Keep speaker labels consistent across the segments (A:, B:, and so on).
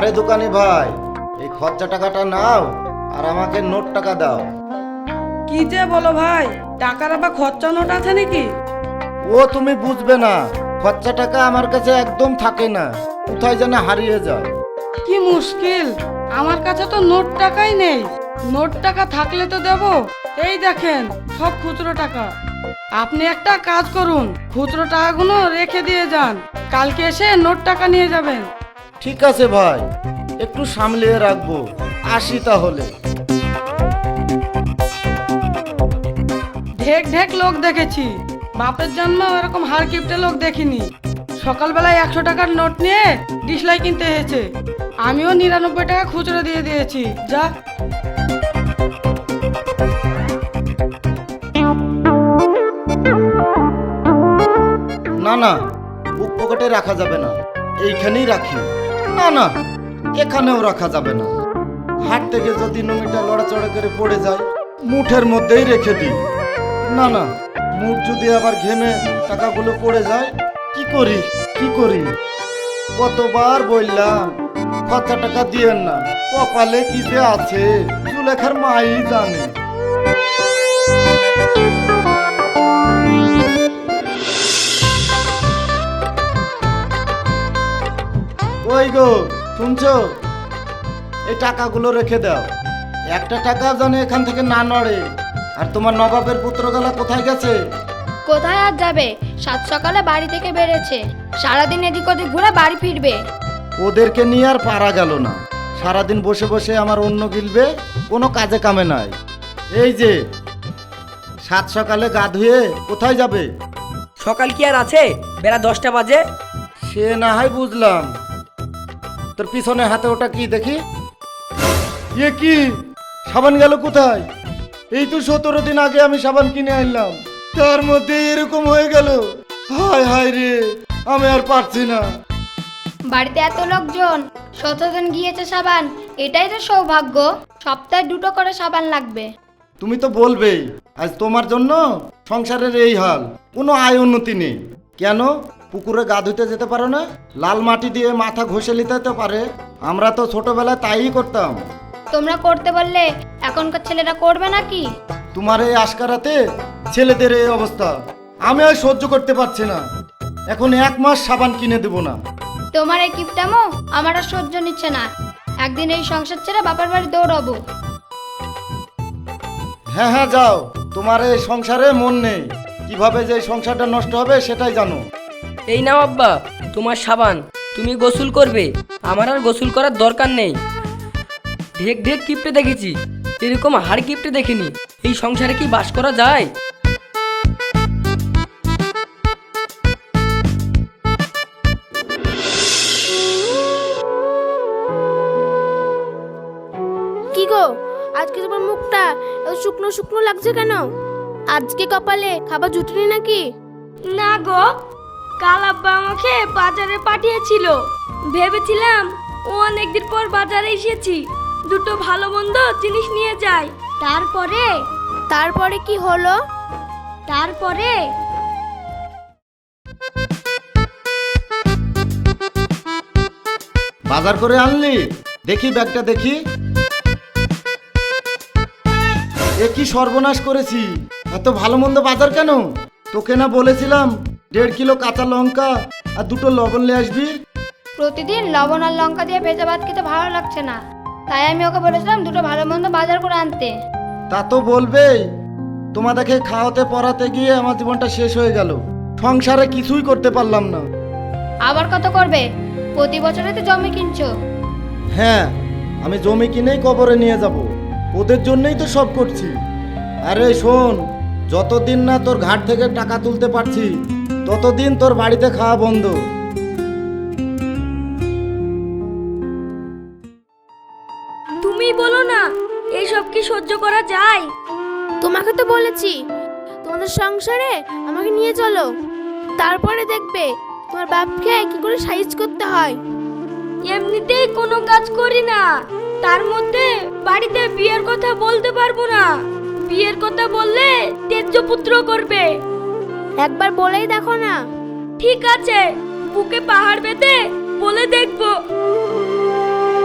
A: আরে দোকানি ভাই, এই খরচা টাকাটা নাও আর আমাকে নোট টাকা দাও।
B: কি যে বলো ভাই, টাকার আবার খরচা নোট আছে নাকি?
A: ও তুমি বুঝবে না, খরচা টাকা আমার কাছে একদম থাকে না, কোথায় যেন হারিয়ে যায়।
B: কি মুশকিল, আমার কাছে তো নোট টাকাই নেই। নোট টাকা থাকলে তো দেবো। এই দেখেন সব খুচরো টাকা। আপনি একটা কাজ করুন, খুচরো টাকাগুলো রেখে দিয়ে যান, কালকে এসে নোট টাকা নিয়ে যাবেন।
A: ঠিক আছে ভাই, একটু সামলিয়ে রাখবো, আসি তাহলে।
B: ঢেক ঢেক লোক দেখেছি, বাপের জন্ম এরকম হার কিপটে লোক দেখিনি। সকালবেলায় 100 টাকার নোট নিয়ে ডিসলাই কিনতে হয়েছে। আমিও 99 টাকা খুচরো দিয়ে দিয়েছি। যা।
A: না না, বুক পকেটে রাখা যাবে না, এইখানেই রাখি। না না, এখানেও রাখা যাবে না। হাট থেকে যদি নমিটা লড়াচড়া করে পড়ে যায়, মুঠের মধ্যেই রেখে দিই। না না, মুঠ যদি আবার ঘেমে টাকাগুলো পড়ে যায়, কি করি কি করি? কতবার বললাম খরচা টাকা দিয়েন না, কপালে কি যে আছে জুলেখার মাই জানে। ওই গো, শুনছো? এই টাকাগুলো রেখে দাও, একটা টাকা যেন এখান থেকে না নড়ে। আর তোমার নবাবের পুত্রগালা কোথায় গেছে?
C: কোথায় আর যাবে, সাত সকালে বাড়ি থেকে বেড়েছে, সারাদিন এদিক ওদিক ঘুরে বাড়ি ফিরবে।
A: ওদেরকে নিয়ে আর পারা গেল না, সারাদিন বসে বসে আমার অন্য গিলবে, কোনো কাজে কামে নাই। এই যে সাত সকালে গা ধুয়ে কোথায় যাবে?
D: সকাল কি আর আছে, বেলা 10টা বাজে।
A: সে না হয় বুঝলাম, তোর পিছনে হাতে ওটা কি দেখি? এ কি, সাবান গেল কোথায়? এই তো 17 দিন আগে আমি সাবান কিনে আনলাম, তার মধ্যে এরকম হয়ে গেল। হায় হায় রে, আমি আর পারছি না।
C: বাড়িতে এত লোকজন, 17 দিন গিয়েছে সাবান, এটাই তো সৌভাগ্য। সপ্তাহে 2টো করে সাবান লাগবে।
A: তুমি তো বলবেই, আজ তোমার জন্য সংসারের এই হাল, কোনো আয় উন্নতি নেই। কেন পুকুরে গা ধুতে যেতে পারো না? লাল মাটি দিয়ে মাথা ঘষে নিতে তো পারে। আমরা তো ছোটবেলায় তাই করতাম।
C: তোমরা করতে বললে এখনকার ছেলেরা করবে নাকি?
A: তোমার এই আশকারাতে ছেলেদের এই অবস্থা, আমি আর সহ্য করতে পারছি না। এখন 1 মাস সাবান কিনে দেবো না।
C: তোমার এই কিপটামো আমার আর সহ্য নিচ্ছে না। একদিন এই সংসার ছেড়ে বাপের বাড়ি দৌড়াবো।
A: হ্যাঁ হ্যাঁ যাও, তোমার এই সংসারে মন নেই। কিভাবে যে এই সংসারটা নষ্ট হবে সেটাই জানো।
D: এই নাও আব্বা তোমার সাবান, তুমি গোসল করবে, আমার আর গোসল করার দরকার নেই। ঢেক ঢেক কিপটে দেখেছি, এরকম হাড় কিপটে দেখিনি। এই সংসারে কি বাস করা যায়?
E: কি গো, আজকে তোমার মুখটা এত শুকনো শুকনো লাগছে কেন? আজকে কপালে খাবার জুটেনি নাকি?
F: না গো, কাল আব্বা আমাকে বাজারে পাঠিয়েছিল। ভেবেছিলাম ও অনেকদিন পর বাজারে এসেছি, দুটো ভালো মন্দ জিনিস নিয়ে যাই।
E: তারপরে কি হলো?
F: তারপরে
A: বাজার করে আনলি? দেখি ব্যাগটা দেখি। এ কি সর্বনাশ করেছি, এত ভালো মন্দ বাজার কেন? তোকে না বলেছিলাম 1.5 কিলো কাঁচা লঙ্কা আর 2টো লবণ নিয়ে আসবি?
C: প্রতিদিন লবণ আর লঙ্কা দিয়ে ভেজা ভাত খেতে ভালো লাগছে না, তাই আমি ওকে বলেছিলাম 2টো ভালো মন্দ বাজার করে আনতে।
A: তা তো বলবেই, তোমাদেরকে খাওয়াতে পড়াতে গিয়ে আমার জীবনটা শেষ হয়ে গেল, সংসারে কিছুই করতে পারলাম না।
C: আবার কত করবে? প্রতি বছরে তো জমি কিনছো।
A: হ্যাঁ, আমি জমি কিনেই কবরে নিয়ে যাব, ওদের জন্যই তো সব করছি। আরে শোন, যতদিন না তোর ঘাট থেকে টাকা তুলতে পারছি, ততদিন তোর বাড়িতে খাওয়া বন্ধ।
F: তুমি বলো না, এইসব কি সহ্য করা যায়?
E: তোমাকে তো বলেছি তোমাদের সংসারে আমাকে নিয়ে চলো, তারপরে দেখবে তোমার বাপকে কি করে সাইজ করতে হয়।
F: এমনিতেই কোনো কাজ করি না, তার মধ্যে বাড়িতে বিয়ের কথা বলতে পারবো না। বিয়ের কথা বললে তেজ্য পুত্র করবে।
E: একবার বলেই দেখো না।
F: ঠিক আছে, বুকে পাহাড় বেঁধে বলে দেখবো।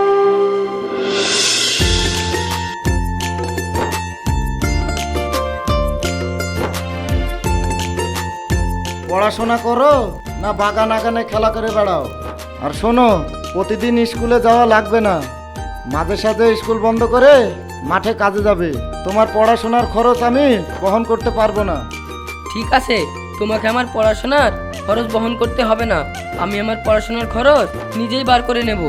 A: পড়াশোনা করো না বাগান আগানে খেলা করে বেড়াও? আর শোনো, প্রতিদিন স্কুলে যাওয়া লাগবে না, মাঝে সাঝে স্কুল বন্ধ করে মাঠে কাজে যাবে। তোমার পড়াশোনার খরচ আমি বহন করতে পারবো না।
D: ঠিক আছে, তোমাকে আমার পড়াশোনার খরচ বহন করতে হবে না, আমি আমার পড়াশোনার খরচ নিজেই বার করে নেব।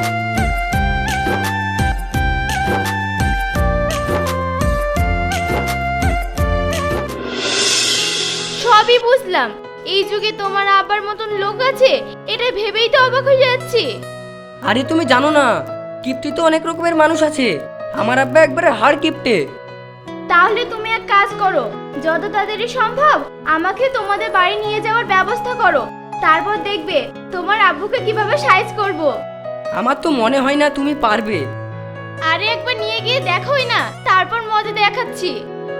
E: সবই বুঝলাম, এই যুগে তোমার আব্বার মতন লোক আছে, এটা ভেবেই তো অবাক হয়ে যাচ্ছি।
D: আরে তুমি জানো না, কিপ্টে তো অনেক রকমের মানুষ আছে, আমার আব্বা একবারে হাড় কিপ্টে।
E: তাহলে তুমি এক কাজ করো, যত তাড়াতাড়ি সম্ভব আমাকে তোমাদের বাড়ি নিয়ে যাওয়ার ব্যবস্থা করো, তারপর দেখবে তোমার আব্বুকে কিভাবে সাইজ করব।
D: আমার তো মনে হয় না তুমি পারবে।
E: আরে একবার নিয়ে গিয়ে দেখোই না, তারপর মজা দেখাচ্ছি।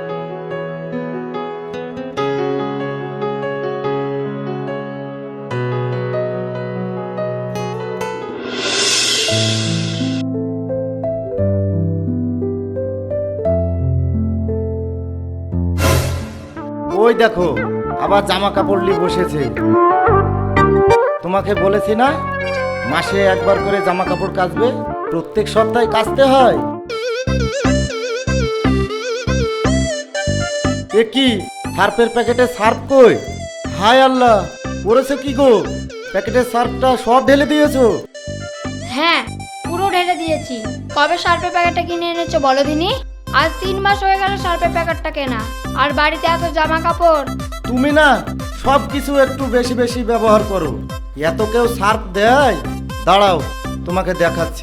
A: ওই দেখো, আবার জামা কাপড় নিয়ে বসেছে। তোমাকে বলেছি না, মাসে একবার করে জামা কাপড় কাচবে, প্রত্যেক সপ্তাহে কাচতে হয়। এ কি, সার্ফের প্যাকেটে সার্ফ কই? হায় আল্লাহ, করেছে কি গো? প্যাকেটের সার্ফটা সব ঢেলে দিয়েছো?
C: হ্যাঁ, পুরো ঢেলে দিয়েছি। কবে সার্ফের প্যাকেটটা কিনে এনেছো বলো দিনি? আজ 3 মাস হয়ে গেল সার্ফের প্যাকেটটা কেনা, আর বাড়িতে এত জামা কাপড়।
A: তুমি না সব কিছু একটু বেশি বেশি ব্যবহার করো। এত কেউ সার্ফ দেয়? দাঁড়াও, তোমাকে দেখাচ্ছি।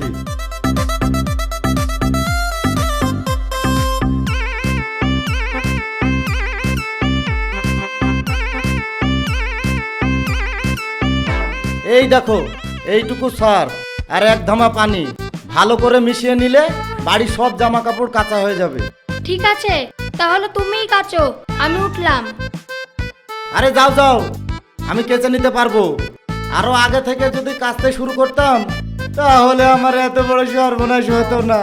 A: এই দেখো, এইটুকু সার্ফ আর এক ধামা পানি ভালো করে মিশিয়ে নিলে বাড়ির সব জামা কাপড় কাঁচা হয়ে যাবে।
C: ঠিক আছে, তাহলে তুমিই কাচো, আমি উঠলাম।
A: আরে যাও যাও, আমি কেচে নিতে পারবো। আরো আগে থেকে যদি কাচতে শুরু করতাম, তাহলে আমার এত বড় সর্বনাশ হতো না।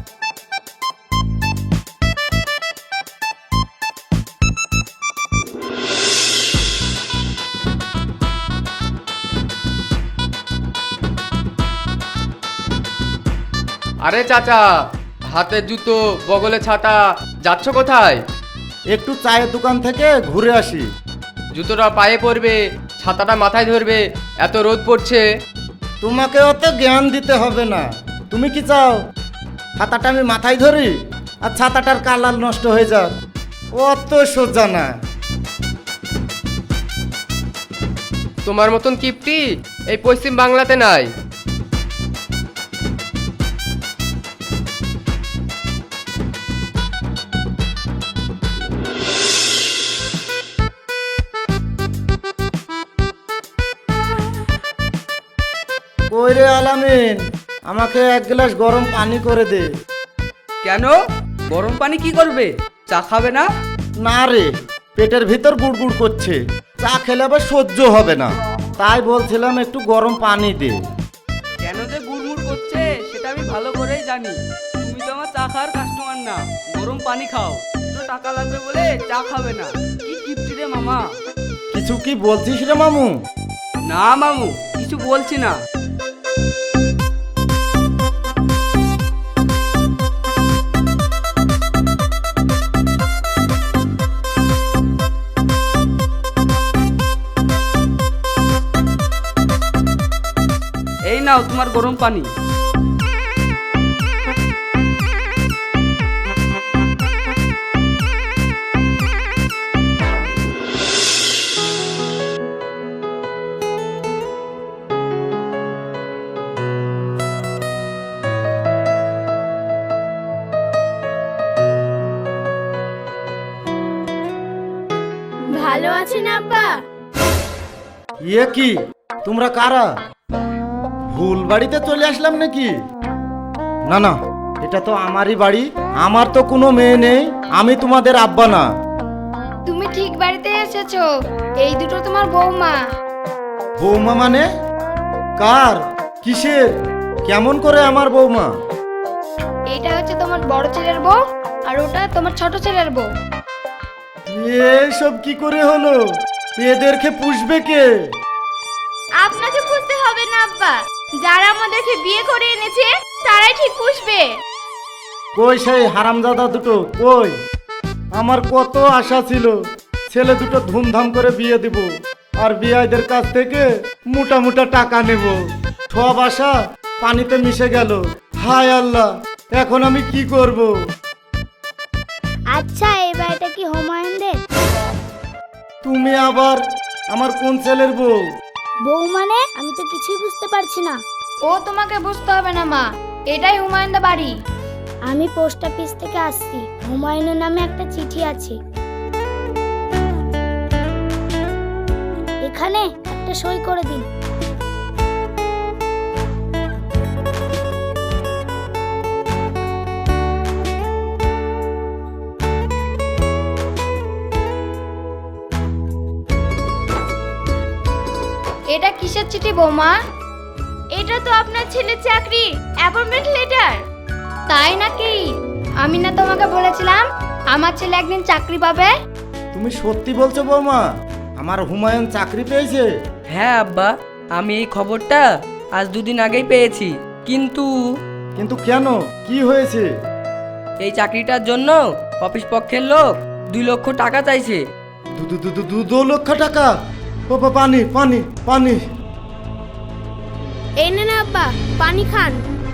G: আরে চাচা, হাতে জুতো, বগলে ছাতা, যাচ্ছ কোথায়?
A: একটু চায়ের দোকান থেকে ঘুরে আসি।
G: জুতোটা পায়ে পড়বে, ছাতাটা মাথায় ধরবে, এত রোদ পড়ছে।
A: তোমাকে অত জ্ঞান দিতে হবে না। তুমি কি চাও ছাতাটা আমি মাথায় ধরি আর ছাতাটার কালার নষ্ট হয়ে যাক? অত সোজা না।
G: তোমার মতন কিপটি এই পশ্চিম বাংলাতে নাই।
A: কই রে আলামিন, আমাকে এক গ্লাস গরম পানি করে দে।
H: কেন? গরম পানি কি করবে? চা খাবে না?
A: না রে, পেটের ভিতর গুড়গুড় করছে, চা খেলে আবার সহ্য হবে না, তাই বলছিলাম একটু গরম পানি দে।
H: কেন যে গুড়মুড় করছে সেটা আমি ভালো করেই জানি। তুমি তো আমার চা খাওয়ার কাস্টমার না, গরম পানি খাও। তো টাকা লাগবে বলে চা খাবে না, কি কিপ্টি রে মামা।
A: কিছু কি বলছিস রে মামু?
H: না মামু, কিছু বলছি না। এই নাও তোমার গরম পানি।
E: ভালো আছেন আব্বা?
A: ইয়ে কি, তোমরা কারা? ভুল বাড়িতে চলে আসলাম নাকি? না না, এটা তো আমারই বাড়ি, আমার তো কোনো মেয়ে নেই, আমি তোমাদের আব্বা না।
C: তুমি ঠিক বাড়িতে এসেছো, এই দুটো তোমার বৌমা।
A: বৌমা মানে? কার? কিসের? কেমন করে আমার বৌমা?
C: এইটা হচ্ছে তোমার বড় ছেলের বউ, আর ওটা তোমার ছোট ছেলের বউ।
A: এসব কি করে হলো? এদেরকে পুষবে কে?
E: আপনাকে পুষতে হবে না আব্বা, যারা আমাদেরকে বিয়ে করে এনেছে তারাই ঠিক পুষবে।
A: কই সেই হারামজাদা দুটো কই? আমার কত আশা ছিল ছেলে দুটো ধুমধাম করে বিয়ে দিব আর বিয়াইদের কাছ থেকে মোটা মোটা টাকা নেব। সব আশা পানিতে মিশে গেল। হায় আল্লাহ, এখন আমি কি করব?
I: আচ্ছা, এই বাড়িটা কি হুমায়ুনদের?
A: তুমি আবার আমার কোন ছেলের বউ?
I: বউ মানে? আমি তো কিছুই বুঝতে পারছি না।
C: ও তোমাকে বুঝতে হবে না মা, এটাই হুমায়ুনদের বাড়ি।
I: আমি পোস্ট অফিস থেকে আসছি, হুমায়ুনের নামে একটা চিঠি আছে। এখানে একটা সই করে দিন।
C: এটা কিসের চিঠি বৌমা?
E: এটা তো আপনার ছেলের চাকরি অ্যাপয়েন্টমেন্ট লেটার।
C: তাই নাকি? আমি না তোমাকে বলেছিলাম আমার ছেলে একদিন চাকরি পাবে?
A: তুমি সত্যি বলছো বৌমা? আমার হুমায়ুন চাকরি পেয়েছে?
D: হ্যাঁ আব্বা, আমি এই খবরটা আজ 2 দিন আগেই পেয়েছি। কিন্তু
A: কিন্তু কেন, কি হয়েছে?
D: এই চাকরিটার জন্য অফিস পক্ষের লোক 2 লক্ষ টাকা চাইছে।
A: 2 লক্ষ টাকা? পানি পানি পানি।
I: এই নেন আব্বা, পানি খান।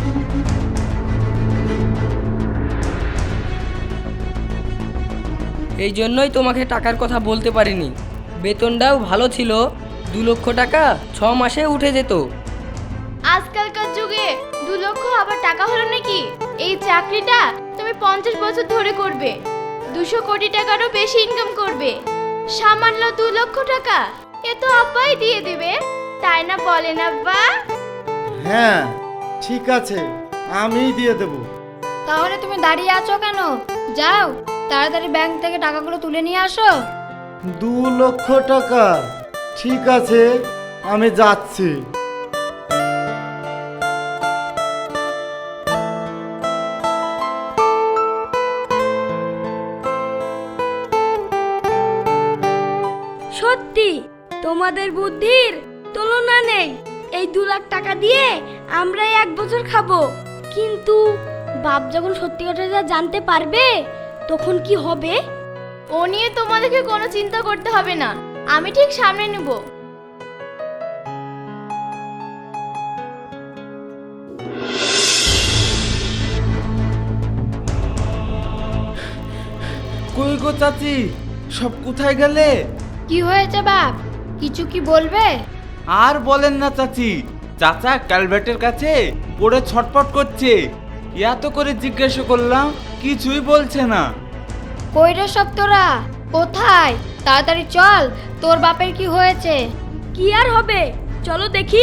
D: এই জন্যই তোমাকে টাকার কথা বলতে পারিনি। বেতনটাও ভালো ছিল, 2 লক্ষ টাকা 6 মাসে উঠে যেত।
E: আজকালকার যুগে 2 লক্ষ আবার টাকা হলো নাকি? এই চাকরিটা তুমি 50 বছর ধরে করবে, 200 কোটি টাকারও বেশি ইনকাম করবে। সামান্য 2 লক্ষ টাকা এ তো আব্বাই দিয়ে দেবে, তাই না বলেন আব্বা?
A: হ্যাঁ ঠিক আছে, আমিই দিয়ে দেব।
C: তাহলে তুমি দাঁড়িয়ে আছো কেন? যাও তাড়াতাড়ি ব্যাংক থেকে টাকাগুলো তুলে নিয়ে আসো।
A: 2 লক্ষ টাকা? ঠিক আছে, আমি যাচ্ছি।
F: সত্যি তোমাদের বুদ্ধির তুলনা নেই। এই 2 লাখ টাকা দিয়ে আমরা 1 বছর খাবো, কিন্তু বাপ যখন সত্যি কথাটা জানতে পারবে তখন কি হবে?
E: ও নিয়ে তোমাদেরকে কোনো চিন্তা করতে হবে না, আমি ঠিক সামনে নেব।
J: কই গো চাচি, সব কোথায় গেলে?
C: কি হয়েছে বাপ, কিছু কি বলবে?
J: আর বলেন না চাচি, চাচা ক্যালভেটের কাছে পড়ে ছটপট করছে। এত করে জিজ্ঞাসা করলাম, কিছুই বলছে না।
C: কই রে সব তোরা, কোথায়? তাড়াতাড়ি চল, তোর বাপের কি হয়েছে?
F: কি আর হবে, চলো দেখি।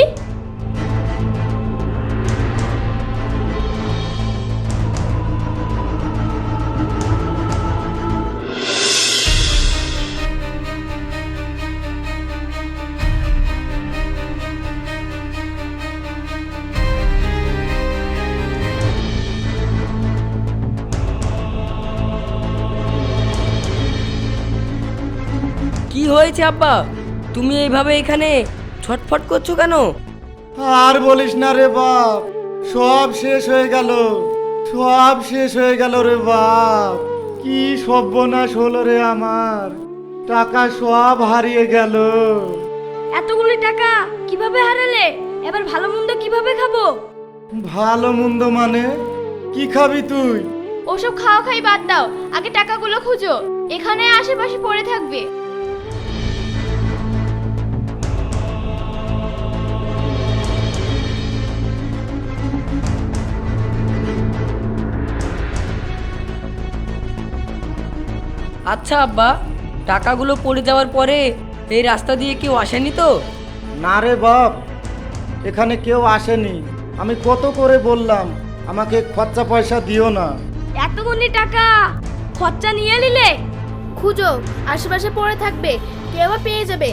D: কি হয়েছে আব্বা, তুমি এইভাবে এখানে ছটফট করছো কেন?
A: আর বলিস না রে বাপ, সব শেষ হয়ে গেল, সব শেষ হয়ে গেল রে বাপ। কি সর্বনাশ হলো রে আমার, টাকা সব হারিয়ে গেল।
F: এতগুলি টাকা কিভাবে হারালে? এবার ভালো মন্দ কিভাবে খাবো?
A: ভালো মন্দ মানে? কি খাবি তুই?
E: ওসব খাওয়া খাই বাদ দাও, আগে টাকাগুলো খুঁজো, এখানে আশেপাশে পড়ে থাকবে।
D: আচ্ছা আব্বা, টাকাগুলো পড়ে যাওয়ার পরে এই রাস্তা দিয়ে কেউ আসেনি তো?
A: না রে বাপ, এখানে কেউ আসেনি। আমি কত করে বললাম আমাকে খরচা পয়সা দিও না।
F: এতগুলি টাকা খরচা নিয়ে নিলে?
E: খুঁজো, আশেপাশে পড়ে থাকবে, কেউ আবার পেয়ে যাবে।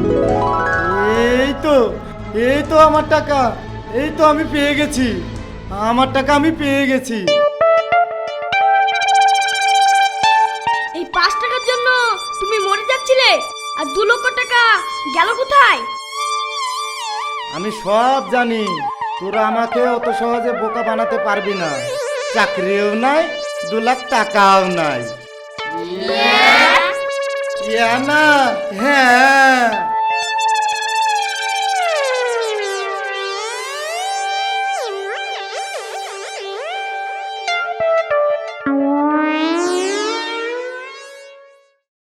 A: এই তো, এই তো আমার টাকা, এই তো আমি পেয়ে গেছি। আমার টাকা আমি পেয়ে গেছি।
F: এই 5 টাকার জন্য তুমি মরে যাচ্ছিলে, আর 2 লক্ষ টাকা গেল কোথায়?
A: আমি সব জানি, তোরা আমাকে অত সহজে বোকা বানাতে পারবি না। চাকরিও নাই, 2 লাখ টাকাও নাই। ইয়া না, হ্যাঁ